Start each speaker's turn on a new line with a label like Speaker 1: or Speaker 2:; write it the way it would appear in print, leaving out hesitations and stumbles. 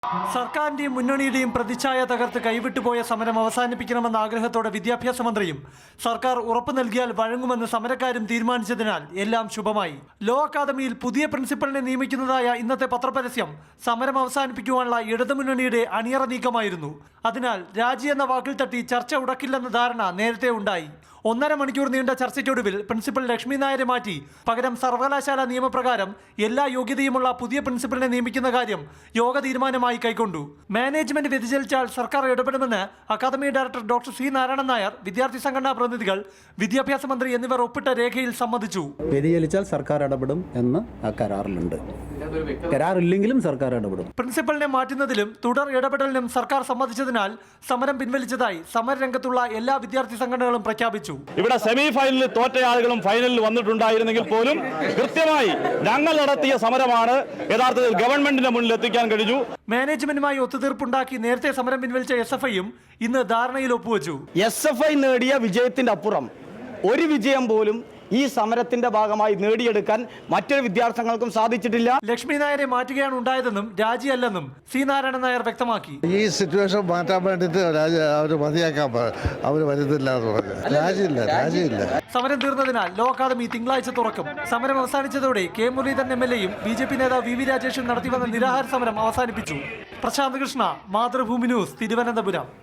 Speaker 1: സർക്കാരിന്റെയും മുന്നണിയുടെയും പ്രതിച്ഛായ തകർത്ത് കൈവിട്ടുപോയ സമരം അവസാനിപ്പിക്കണമെന്ന ആഗ്രഹത്തോടെ വിദ്യാഭ്യാസ മന്ത്രിയും സർക്കാർ ഉറപ്പു നൽകിയാൽ വഴങ്ങുമെന്ന് സമരക്കാരും തീരുമാനിച്ചതിനാൽ എല്ലാം ശുഭമായി. ലോ അക്കാദമിയിൽ പുതിയ പ്രിൻസിപ്പലിനെ നിയമിക്കുന്നതായ ഇന്നത്തെ പത്രപരസ്യം സമരം അവസാനിപ്പിക്കുവാനുള്ള ഇടതുമുന്നണിയുടെ അണിയറ നീക്കമായിരുന്നു. അതിനാൽ രാജി എന്ന വാക്കിൽ തട്ടി ചർച്ച ഉടക്കില്ലെന്ന ധാരണ നേരത്തെ ഉണ്ടായി. 1.5 മണിക്കൂർ നീണ്ട ചർച്ചയ്ക്കൊടുവിൽ പ്രിൻസിപ്പൽ ലക്ഷ്മി നായരെ മാറ്റി പകരം സർവകലാശാല നിയമപ്രകാരം എല്ലാ യോഗ്യതയുമുള്ള പുതിയ പ്രിൻസിപ്പലിനെ നിയമിക്കുന്ന കാര്യം യോഗ തീരുമാനമായി കൈക്കൊണ്ടു. മാനേജ്മെന്റ് വ്യതിചലിച്ചാൽ സർക്കാർ ഇടപെടുമെന്ന് academy director doctor C Narayanan Nair, വിദ്യാർത്ഥി സംഘടനാ പ്രതിനിധികൾ, വിദ്യാഭ്യാസ മന്ത്രി എന്നിവർ ഒപ്പിട്ട രേഖയിൽ സമ്മതിച്ചു.
Speaker 2: വ്യതിചലിച്ചാൽ സർക്കാർ ഇടപെടും എന്ന് ആ കരാറിലുണ്ട്. കരാറില്ലെങ്കിലും സർക്കാർ ഇടപെടും.
Speaker 1: പ്രിൻസിപ്പലിനെ മാറ്റുന്നതിലും തുടർ ഇടപെടലിനും സർക്കാർ സമ്മതിച്ചതിനാൽ സമരം പിൻവലിച്ചതായി സമരരംഗത്തുള്ള എല്ലാ വിദ്യാർത്ഥി സംഘടനകളും പ്രഖ്യാപിച്ചു.
Speaker 3: ഇവിടെ സെമി ഫൈനലിൽ തോറ്റ ആളുകളും ഫൈനലിൽ വന്നിട്ടുണ്ടായിരുന്നെങ്കിൽ പോലും കൃത്യമായി ഞങ്ങൾ നടത്തിയ സമരമാണ് യഥാർത്ഥത്തിൽ ഗവൺമെന്റിന്റെ മുന്നിൽ എത്തിക്കാൻ കഴിഞ്ഞു.
Speaker 1: മാനേജ്മെന്റുമായി ഒത്തുതീർപ്പുണ്ടാക്കി നേരത്തെ സമരം പിൻവലിച്ച SFIയും ഇന്ന് ധാരണയിൽ ഒപ്പുവെച്ചു.
Speaker 4: SFI നേടിയ വിജയത്തിന്റെ അപ്പുറം ഒരു വിജയം പോലും ഈ സമരത്തിന്റെ ഭാഗമായി നേടിയെടുക്കാൻ മറ്റൊരു വിദ്യാർത്ഥികൾക്കും സാധിച്ചിട്ടില്ല.
Speaker 1: ലക്ഷ്മി നായരെ മാറ്റുകയാണ് ഉണ്ടായതെന്നും രാജിയല്ലെന്നും സി നാരായണൻ നായർ വ്യക്തമാക്കി.
Speaker 5: ഈ സിറ്റുവേഷൻ മാറ്റാൻ വേണ്ടിയിട്ട് അവർ മതിയാക്കാൻ അവർ വരുന്നില്ല എന്ന് പറഞ്ഞു. രാജിയില്ല.
Speaker 1: സമരം തീർന്നതിനാൽ ലോ അക്കാദമി തിങ്കളാഴ്ച തുറക്കും. സമരം അവസാനിച്ചതോടെ കെ മുരളീധരൻ MLAയും BJP നേതാവ് VV രാജേഷും നടത്തിവന്ന നിരാഹാര സമരം അവസാനിപ്പിച്ചു. പ്രശാന്ത് കൃഷ്ണ, മാതൃഭൂമി ന്യൂസ്, തിരുവനന്തപുരം.